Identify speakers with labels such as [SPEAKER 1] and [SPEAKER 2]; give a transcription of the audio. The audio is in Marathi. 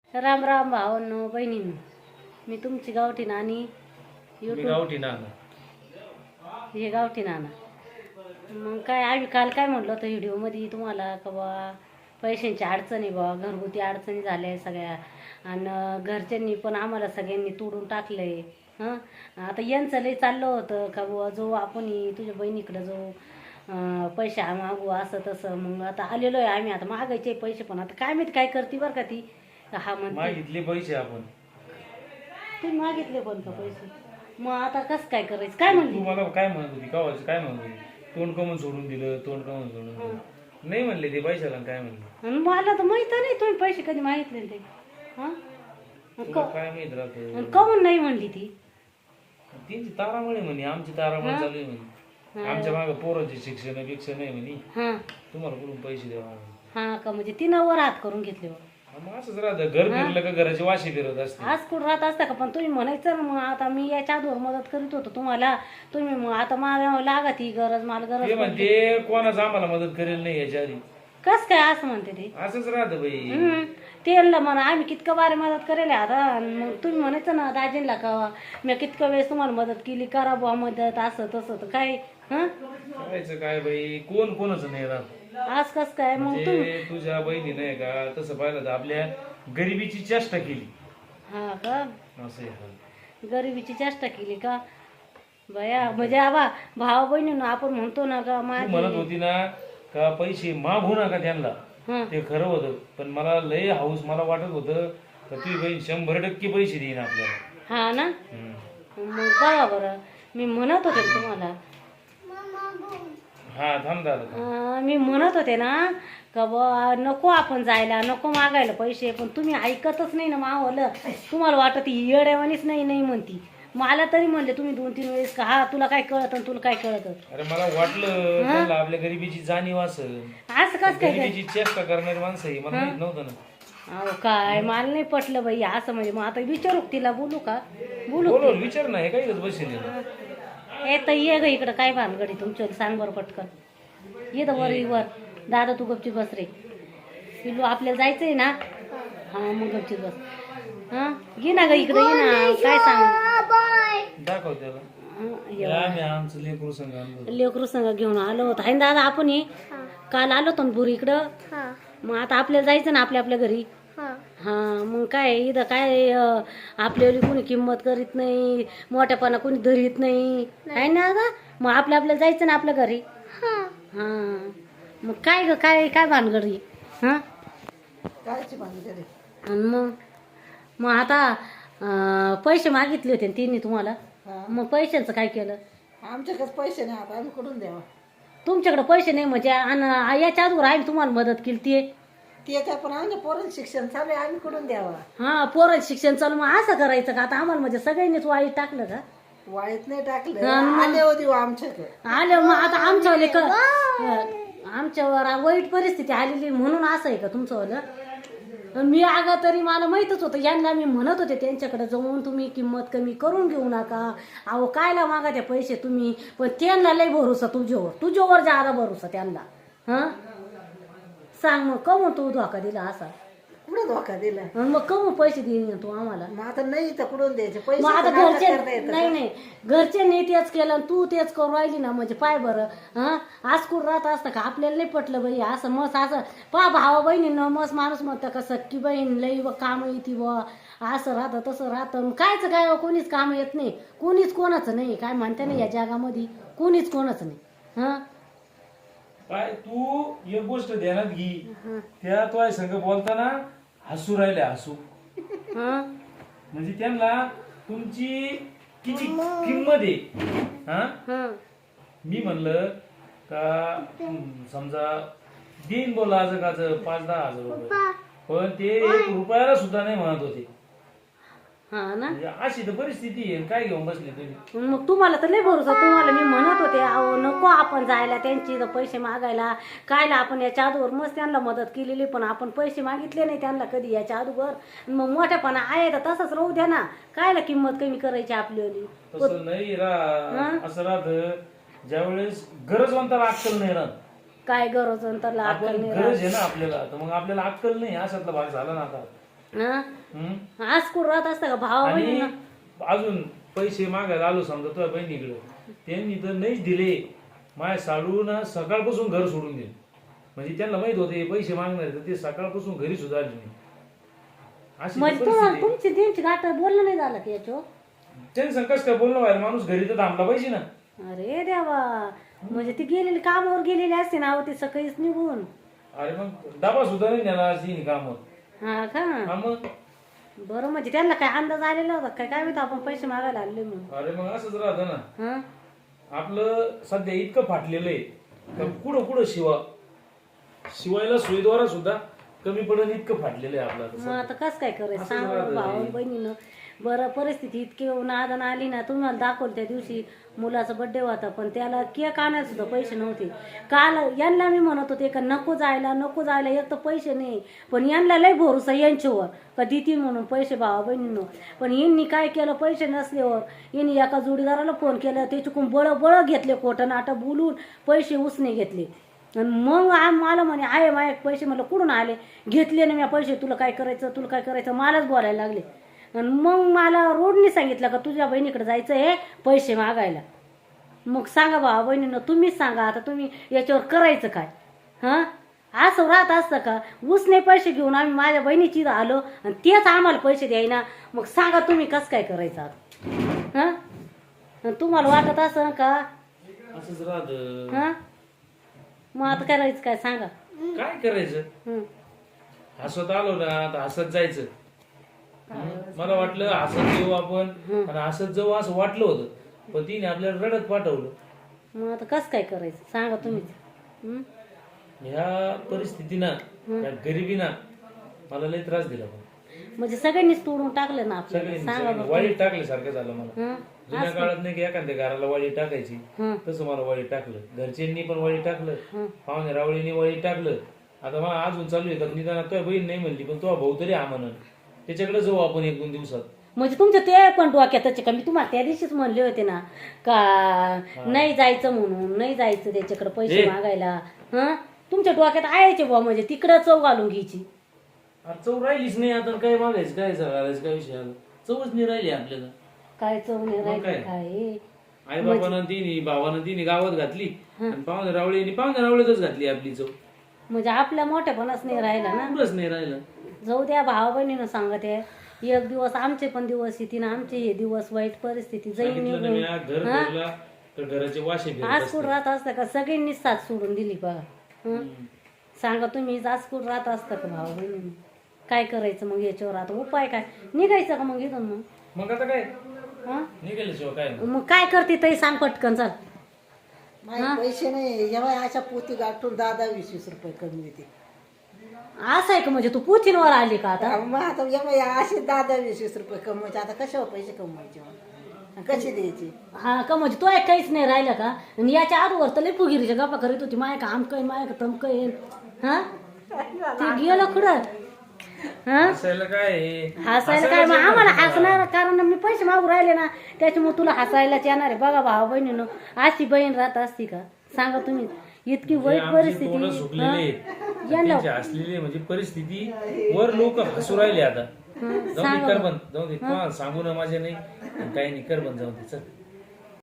[SPEAKER 1] राम राम भावांनो बहिणींनो, मी तुमची गावठी नानी
[SPEAKER 2] गावठी नाना.
[SPEAKER 1] हे गावठी नाना. मग काय आम्ही काल काय म्हटलं होतं व्हिडिओमध्ये तुम्हाला का बा पैशांची अडचणी बा घरगुती अडचणी झाल्या सगळ्या आणि घरच्यांनी पण आम्हाला सगळ्यांनी तोडून टाकलंय. हां, आता यांचं लय चाललं होतं का बुवा जो आपण तुझ्या बहिणीकडं जो पैसे मागू असं तसं. मग आता आलेलो आहे आम्ही, आता मागायचे पैसे पण आता काय माहिती काय करते बरं का ती. हा म्हणते
[SPEAKER 2] मागितले पैसे आपण.
[SPEAKER 1] तुम्ही मागितले पण का पैसे? मग आता कसं काय करायचं? काय म्हणली
[SPEAKER 2] तू मला काय म्हणत होती कावाची? काय म्हणत होती? तोंड कमून सोडून दिलं, तोंड कमून सोडून दिलं. नाही म्हणले ते पैशाला. काय म्हणले?
[SPEAKER 1] आणि मला तर माहित नाही तुम्ही पैसे कधी मागितले ते. हां,
[SPEAKER 2] तुला काय माहित राहत?
[SPEAKER 1] कमून नाही म्हणली ती.
[SPEAKER 2] त्यांची तारामळे म्हणे, आमची तारामळे चालू आहे म्हणे. आमच्या मागे पोरांचे शिक्षण बिक्षण नाही म्हणे.
[SPEAKER 1] हां
[SPEAKER 2] तुम्हाला कुठून पैसे द्यावा?
[SPEAKER 1] हां का म्हणजे तिनं वर हात करून घेतले.
[SPEAKER 2] मग असंच राहतं, घर फिरलं का घराची वाशी फिरत असते.
[SPEAKER 1] आज कुठं राहत असता का? पण तुम्ही म्हणायचं ना, मग आता मी याच्या आधीवर मदत करीत होतो तुम्हाला. तुम्ही मग आता मला लागत ही गरज, मला
[SPEAKER 2] ते
[SPEAKER 1] गरज
[SPEAKER 2] म्हणते कोणाच आम्हाला मदत करेल नाही याच्या आधी.
[SPEAKER 1] कस काय असं म्हणते ते?
[SPEAKER 2] असंच राहतं बाई.
[SPEAKER 1] त्यांना म्हणा आम्ही कितकं बारे मदत करेल आता. मग तुम्ही म्हणायचं ना दाजींना का मी कितकं वेळेस तुम्हाला मदत केली, करा बुवा मदत असं तसं. तर काय
[SPEAKER 2] करायचं काय बाई, कोण कोणाचं नाही राहत.
[SPEAKER 1] आज कस काय मग तुम्ही?
[SPEAKER 2] म्हणजे तुझ्या बहिणी नाही का तसं पाहिलं तर आपल्या गरिबीची चेष्टा केली.
[SPEAKER 1] हा का?
[SPEAKER 2] असं आहे.
[SPEAKER 1] गरिबीची चेष्टा केली का बया? म्हणजे आबा भावा बहिणीनं आपण म्हणतो ना का
[SPEAKER 2] तू
[SPEAKER 1] माझी
[SPEAKER 2] म्हणत होती ना का पैसे मागू नका त्यांना.
[SPEAKER 1] हं.
[SPEAKER 2] ते खरं होतं, पण मला लय हाऊस. मला वाटत होतं का तुझी बहीण 100% पैसे देईन आपल्याला.
[SPEAKER 1] हा ना.
[SPEAKER 2] हम्म.
[SPEAKER 1] मग बघा बरं, मी म्हणत होते ना तुम्हाला.
[SPEAKER 2] हा थांब दादा.
[SPEAKER 1] मी म्हणत होते ना का बा नको आपण जायला, नको मागायला पैसे. पण तुम्ही ऐकतच नाही ना मावलं. तुम्हाला वाटत ही येड्यावानीच नाही नाही म्हणती. मला तरी म्हणले तुम्ही 2-3 वेळेस का हा तुला काय कळत तुला काय कळत.
[SPEAKER 2] अरे मला वाटलं त्यांना आपल्या गरिबीची जाणीव असेल.
[SPEAKER 1] असं कस काय?
[SPEAKER 2] गरिबीची चेष्टा करणारी माणसं ही मला माहित नव्हतं ना.
[SPEAKER 1] अहो काय मला नाही पटलं बाई असं. म्हणजे मग आता विचारू तिला, बोलू का? बोलू
[SPEAKER 2] बोल विचार ना, हे काही बसेल.
[SPEAKER 1] हे तर ये ग इकडं. काय भानगडी तुमच्या सांग बरं पटकन. ये तर वर दादा तू गपची बस रे. पिलू आपल्याला जायचंय ना. हा मग गपची बस. हा ये ना ग इकडे, ये ना. काय सांग
[SPEAKER 2] दाखव त्याला. आमचं लेकरू संघ आणलं.
[SPEAKER 1] लेकरू संग घेऊन आलो होतो आहे ना दादा आपण. काल आलो होतो ना बुरी इकडं. मग आता आपल्याला जायचं ना आपल्या आपल्या घरी. हा मग काय इथं काय आपल्याला कोणी किंमत करीत नाही, मोठ्यापणा कोणी धरीत नाही आहे ना दादा. मग आपल्याला जायचं ना आपल्या घरी. हा मग काय ग काय काय भानगडी? हा
[SPEAKER 3] कायची भानगडी?
[SPEAKER 1] आणि मग आता पैसे मागितले होते तिने तुम्हाला. मग पैशांचं काय केलं?
[SPEAKER 3] आमच्याकडेच पैसे नाही, आता आम्ही कुठून द्यावा?
[SPEAKER 1] तुमच्याकडे पैसे नाही म्हणजे आणि याच्या आजवर आम्ही तुम्हाला मदत केली
[SPEAKER 3] ते काय, पण आमच्या पोरांचं शिक्षण चालू आहे, आम्ही कुठून द्यावा?
[SPEAKER 1] हा पोरांचं शिक्षण चालू. मग असं करायचं का आता आम्हाला? म्हणजे सगळ्यांनीच वाईट टाकलं का?
[SPEAKER 3] वाईट नाही टाकलं, आले होते आमच्याकडे.
[SPEAKER 1] आले मग आता आमच्यावर वाईट परिस्थिती आलेली म्हणून असं आहे का तुमचं? मी अगं तरी मला माहीतच होतं यांना. मी म्हणत होते त्यांच्याकडे जाऊन तुम्ही किंमत कमी करून घेऊ नका. अहो कायला मागा ते पैसे तुम्ही. पण त्यांना लय भरोसा तुझ्यावर जादा भरोसा त्यांना. हां सांग मग कमून तू धोका दिला असा?
[SPEAKER 3] कुठं धोका दिला?
[SPEAKER 1] मग कमून पैसे देईन तू आम्हाला?
[SPEAKER 3] मग आता नाही तर कुठून द्यायचे पैसे?
[SPEAKER 1] मग आता
[SPEAKER 3] तर नाटक करता
[SPEAKER 1] घरचे
[SPEAKER 3] येतं
[SPEAKER 1] नाही
[SPEAKER 3] का?
[SPEAKER 1] नाही घरच्यांनी तेच केलं आणि तू तेच करून राहिली ना. म्हणजे पाय बरं. हा आज कुठं राहत असतं का? आपल्याला नाही पटलं बाई असं. मस्त असं पा भावा बहिणीनं मस्त माणूस म्हणतं का सक्की बहीण लई व काम येते व असं राहतं तसं राहतं. कायचं काय कोणीच काम येत नाही. कोणीच कोणाचं नाही. काय म्हणते ना या जगामध्ये कोणीच कोणाचं नाही. हा
[SPEAKER 2] काय तू एक गोष्ट ध्यानात घे. त्या तो संघ बोलताना हसू राहिले, हसू.
[SPEAKER 1] हा
[SPEAKER 2] म्हणजे त्यांना तुमची किती किंमत आहे. हा
[SPEAKER 1] हा
[SPEAKER 2] मी म्हणलं का समजा देईन बोला आज 5-10 हजार रुपये, पण ते 1 रुपयाला सुद्धा नाही म्हणत होते.
[SPEAKER 1] हा ना.
[SPEAKER 2] म्हणजे अशी तर परिस्थिती आहे. काय घेऊन बसले तुम्ही?
[SPEAKER 1] मग तुम्हाला तर लय भरोसा. तुम्हाला मी म्हणत होते अहो नको आपण जायला त्यांची इथं पैसे मागायला. कायला आपण याच्या अगोदर मस्त त्यांना मदत केलेली, पण आपण पैसे मागितले नाही त्यांना कधी याच्या अगोदर. मग मोठ्यापणा आहे तर तसंच राहू द्या ना. कायला किंमत कमी करायची आपल्याली?
[SPEAKER 2] तसं नाही असं राहत ज्यावेळेस गरजवंताला अक्कल नाही राहत.
[SPEAKER 1] काय गरज अंतरला
[SPEAKER 2] आपण गरज आहे ना आपल्याला, तर मग आपल्याला अक्कल नाही. अशातला भाग झाला ना आता.
[SPEAKER 1] हा
[SPEAKER 2] हं?
[SPEAKER 1] आज कुठं राहत असतं का भाव
[SPEAKER 2] आणि
[SPEAKER 1] बहिणींना?
[SPEAKER 2] अजून पैसे मागायला आलो समजा तुझ्या बहिणीकडे त्यांनी तर नाहीच दिले माझ्या साडून सकाळपासून घर सोडून दिले म्हणजे त्यांना माहित होते पैसे मागणार तर ते सकाळपासून घरी सुद्धा आले नाही अशी
[SPEAKER 1] म्हणजे
[SPEAKER 2] ती
[SPEAKER 1] तुम्हाला
[SPEAKER 2] परिस्थिती.
[SPEAKER 1] तुमची त्यांची गाठ बोलणं नाही झालं की याच्यावर?
[SPEAKER 2] त्यांनी संकट काय बोलणं बाहेर माणूस घरी तर थांबला पाहिजे ना
[SPEAKER 1] अरे देवा, म्हणजे ती गेलेली कामावर गेलेली असते ना अहो, ती सकाळीच निघून.
[SPEAKER 2] अरे मग डबा सुद्धा नाही नेला आज तिने कामावर
[SPEAKER 1] हा का?
[SPEAKER 2] हा मग
[SPEAKER 1] बरं, म्हणजे त्यांना काय अंदाज आलेला होता काय काय माहिती आपण पैसे मागायला आले म्हणून?
[SPEAKER 2] अरे मग असंच राहतं ना
[SPEAKER 1] हा
[SPEAKER 2] आपलं सध्या इतकं फाटलेलं आहे का कुठं कुठं शिवायला सुईद्वारा सुद्धा कमी पडून इतकं फाटलेलं आहे आपलं आता
[SPEAKER 1] मग
[SPEAKER 2] सध्या.
[SPEAKER 1] आता कसं काय करायचं
[SPEAKER 2] असं
[SPEAKER 1] सांगा
[SPEAKER 2] राहतं
[SPEAKER 1] भाऊ
[SPEAKER 2] हे.
[SPEAKER 1] बहिणीनं. बरं, परिस्थिती इतकी नादान आली ना, तुम्हाला दाखवलं त्या दिवशी मुलाचा बड्डे होता पण त्याला केक आणायला सुद्धा पैसे नव्हते. काल यांना मी म्हणत होते का नको जायला एक तर पैसे नाही, पण यांना लय भरोसा यांच्यावर का देतील म्हणून पैसे भावा बहिणीनं. पण यांनी काय केलं, पैसे नसल्यावर यांनी एका जोडीदाराला फोन केला, त्याच्याकडून बळ घेतले, खोटं नाटं बोलून पैसे उसने घेतले. आणि मग मला म्हणे आहे माझे पैसे, म्हटलं कुठून आले, घेतले ना मी पैसे, तुला काय करायचं मलाच बोलायला लागले. आणि मग मला रोडने सांगितलं का तुझ्या बहिणीकडे जायचं हे पैसे मागायला. मग सांगा भावा बहिणीनं, तुम्हीच सांगा आता तुम्ही याच्यावर करायचं काय? हां, असं राहत असतं का? उसने पैसे घेऊन आम्ही माझ्या बहिणीची आलो आणि तेच आम्हाला पैसे द्यायना. मग सांगा तुम्ही कसं काय करायचं आता? हां, तुम्हाला वाटत असं का?
[SPEAKER 2] असंच राहत
[SPEAKER 1] हां, मग आता करायचं काय सांगा?
[SPEAKER 2] काय करायचं
[SPEAKER 1] हं.
[SPEAKER 2] हसत आलो ना तर हसत जायचं मला वाटलं हसत येऊ आपण आणि हसत जाऊ असं वाटलं होतं पण तिने आपल्याला रडत पाठवलं
[SPEAKER 1] मग आता कसं काय करायचं सांगा तुम्हीच. हं?
[SPEAKER 2] ह्या परिस्थितीनं या गरिबीनं मला लय त्रास दिला पण.
[SPEAKER 1] म्हणजे सगळ्यांनीच तोडून टाकलं ना आपल्याला, सांगा
[SPEAKER 2] सगळ्यांनी
[SPEAKER 1] बरं.
[SPEAKER 2] वाळीत टाकल्यासारखं झालं मला
[SPEAKER 1] हं?
[SPEAKER 2] जुन्या काळात नाही की एखाद्या घराला वाळी टाकायची
[SPEAKER 1] हं.
[SPEAKER 2] तसं मला वाळी टाकलं घरच्यांनी पण वाळी टाकलं पाहुणे रावळीनी वाळी टाकलं आता मला अजून चालू आहे तर निदान तुझ्या बहीण नाही म्हणली पण तुझा भाऊ तरी हा म्हणून त्याच्याकडे जाऊ आपण 1-2 दिवसात
[SPEAKER 1] म्हणजे तुमचं ते पण डोक्यातच का? मी तुम्हाला त्या दिवशीच म्हणले होते ना का नाही जायचं म्हणून, नाही जायचं त्याच्याकडे पैसे मागायला. हं, तुमच्या डोक्यात ayaचे बुवा, म्हणजे तिकडं चव घालून घ्यायची.
[SPEAKER 2] अरे चव राहिलीच नाही आता काय मागायचं काय घालायचं काय विषय आला चवच नाही राहिली आपल्याला
[SPEAKER 1] काय चव नाही
[SPEAKER 2] मग
[SPEAKER 1] राहायचं
[SPEAKER 2] काय?
[SPEAKER 1] काय?
[SPEAKER 2] आई बाबानं तिने भावानं तिने गावात घातली आणि पाहुणे रावळीतच घातली आपली चव
[SPEAKER 1] म्हणजे आपल्या मोठ्यापणाच नाही राहिला ना.
[SPEAKER 2] कुठंच नाही राहिलं
[SPEAKER 1] जाऊ द्या, भावा बहिणीनं सांगत आहे. एक दिवस आमचे पण दिवस येते ना, आमचे हे दिवस वाईट परिस्थिती जाईल
[SPEAKER 2] सांगितलं ना
[SPEAKER 1] निघून.
[SPEAKER 2] मी, हा घर भरला तर घराचे वाशे फिरत
[SPEAKER 1] आज
[SPEAKER 2] असतात.
[SPEAKER 1] कुठं राहत असतं का? सगळ्यांनीच साथ सोडून दिली बघा. हं? सांगा तुम्ही, आज कुठं राहत असतं का भावा बहिणीनं? काय करायचं मग याच्यावर? आता उपाय काय? निघायचं का मग इथून?
[SPEAKER 2] मग आता काय
[SPEAKER 1] हं?
[SPEAKER 2] निघाल्याशिवाय काय नाही.
[SPEAKER 1] मग काय करते ताई सांग पटकन, चाल.
[SPEAKER 3] माझे पैसे नाही, जेव्हा अशा पोती गाठून 10-20 रुपये कमी येते.
[SPEAKER 1] असं आहे का? म्हणजे तू पुतीनवर आली का आता?
[SPEAKER 3] मग आता जेव्हा असे 10-20 रुपये कमवायचे, आता कशावर पैसे कमवायचे मग? आणि कसे द्यायचे?
[SPEAKER 1] हा का? म्हणजे तो एक काहीच नाही राहिलं का? आणि याच्या आजवर तर लई फुगिरीच्या गप्पा करीत होती, माय का आमकं माय का तमकं. हा, ते गेलं कुठं? हा,
[SPEAKER 2] हसायला काय आहे?
[SPEAKER 1] हसायला काय? मग आम्हाला हसणार, कारण मी पैसे मागू राहिले ना, त्याच्यामुळे तुला हसायलाच येणार आहे. बघा भावा बहिणीनं, अशी बहीण राहत असती का? सांगा तुम्ही. इतकी वाईट
[SPEAKER 2] आमची तोंडं
[SPEAKER 1] परिस्थिती.
[SPEAKER 2] सुकलेली आहेत.
[SPEAKER 1] यांना
[SPEAKER 2] त्यांची हसलेली म्हणजे परिस्थिती वर लोक हसू राहिले आता जाऊ दे कर बंद जाऊ दे कोणाला सांगू ना माझ्या नाही काही नाही कर बंद जाऊ दे चल